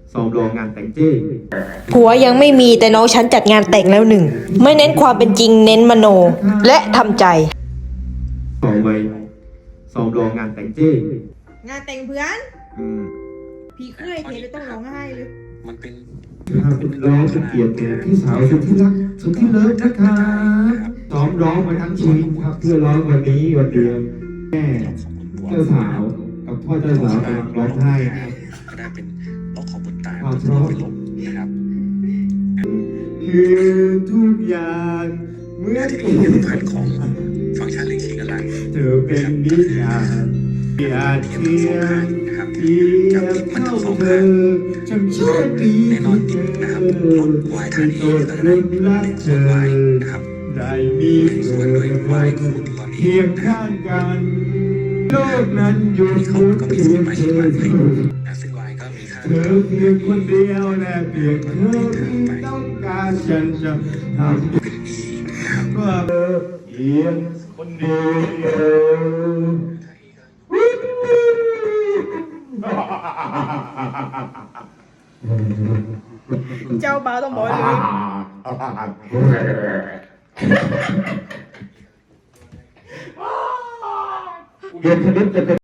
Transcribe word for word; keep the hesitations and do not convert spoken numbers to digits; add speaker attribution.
Speaker 1: ซ้อมรองานแต่งเจ้
Speaker 2: ผัวยังไม่มีแต่น้องฉันจัดงานแต่งแล้วหนึ่งไม่เน้นความเป็นจริงเน้นมโนและทำใจ
Speaker 1: ซ้อมไว้ซ้อมรองานแต่งเจ้
Speaker 3: งานแต่งเพื่อน
Speaker 1: อืม
Speaker 3: พี่เคยเห็นเลยต้องร้องไห้เลย
Speaker 4: มันเป็น
Speaker 1: ถ้าเป็นร้องเป็นเกียรติแก่พี่สาวสุดที่รักสุดที่เลิฟนะครับซ้อมร้องมาทั้งชีวิตครับเพื่อร้องวันนี้วันเดียวแม่
Speaker 4: ของคุณบัว
Speaker 1: เจ้าสาวกับพ่อเจ้าสาวกำลังร้องไห้ครับ
Speaker 4: ก็ได้เป็นล็อกของบนตา
Speaker 1: ความ
Speaker 4: จะ
Speaker 1: เพราะ
Speaker 4: เป็นลมนะครับ
Speaker 1: คือทุกอย่างเมื่อ
Speaker 4: ที่นี่เป็นพันของฟังก์ชันลิงชิงกันละ
Speaker 1: เธอเป็นนิยามที่อาจเทียม
Speaker 4: นะครับ
Speaker 1: เทียบเท่าเธอฉันโชคดี
Speaker 4: แน่นอน
Speaker 1: ที่
Speaker 4: นะครับ
Speaker 1: เธ
Speaker 4: ร
Speaker 1: อ
Speaker 4: ถวายทานเองก็จะได้
Speaker 1: เป็นรักเธ
Speaker 4: ส่วน
Speaker 1: อ
Speaker 4: วายนะครับ
Speaker 1: ได้มี
Speaker 4: ส่วนด้วยวายคูณตอนนี้
Speaker 1: เคียงข้างกันโลกนั้นอยู่
Speaker 4: นี่เขา
Speaker 1: บน
Speaker 4: ก็มี
Speaker 1: เพี
Speaker 4: สู
Speaker 1: ย
Speaker 4: ต
Speaker 1: ง
Speaker 4: รมา
Speaker 1: เธ
Speaker 4: ชิง
Speaker 1: อ
Speaker 4: วายเลยนะซึ่งวายก็มีค่า
Speaker 1: เธอเพียงคนเดียวและเพียงเธอที่ต้องการฉันจะทำ
Speaker 4: เป็น E นะครับ
Speaker 1: ว่าเธอเพียงคนเดียว
Speaker 3: เจ้าบ่าวต้องบอกเลย
Speaker 1: เรียนคณิตจะเป็น